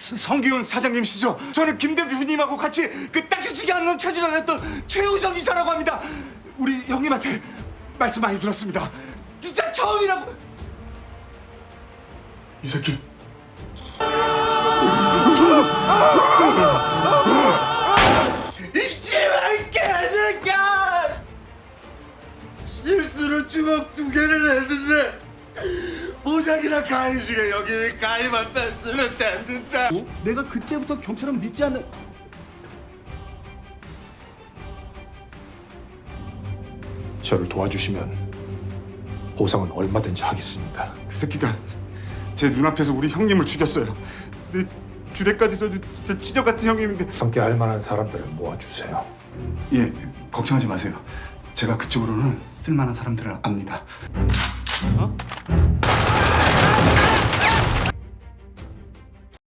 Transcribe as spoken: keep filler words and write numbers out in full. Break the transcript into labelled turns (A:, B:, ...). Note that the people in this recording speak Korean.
A: 성기훈 사장님이시죠? 저는 김 대표님하고 같이 그 딱지치기 않는 놈 찾으러 다녔던 최우정 이사라고 합니다. 우리 형님한테 말씀 많이 들었습니다. 진짜 처음이라고. 이 새끼. 이 씨발 개새끼야! 실수로 주먹 두 개를 했는데 보자기나 가위 중에 여기 가위만 뺐으면 됐는데. 어? 내가 그때부터 경찰은 믿지 않는.
B: 저를 도와주시면 보상은 얼마든지 하겠습니다.
A: 그 새끼가 제 눈앞에서 우리 형님을 죽였어요. 내 주례까지 써준 진짜 치적 같은 형님인데.
B: 함께 할 만한 사람들을 모아주세요.
A: 예, 걱정하지 마세요. 제가 그쪽으로는 쓸만한 사람들을 압니다. 어?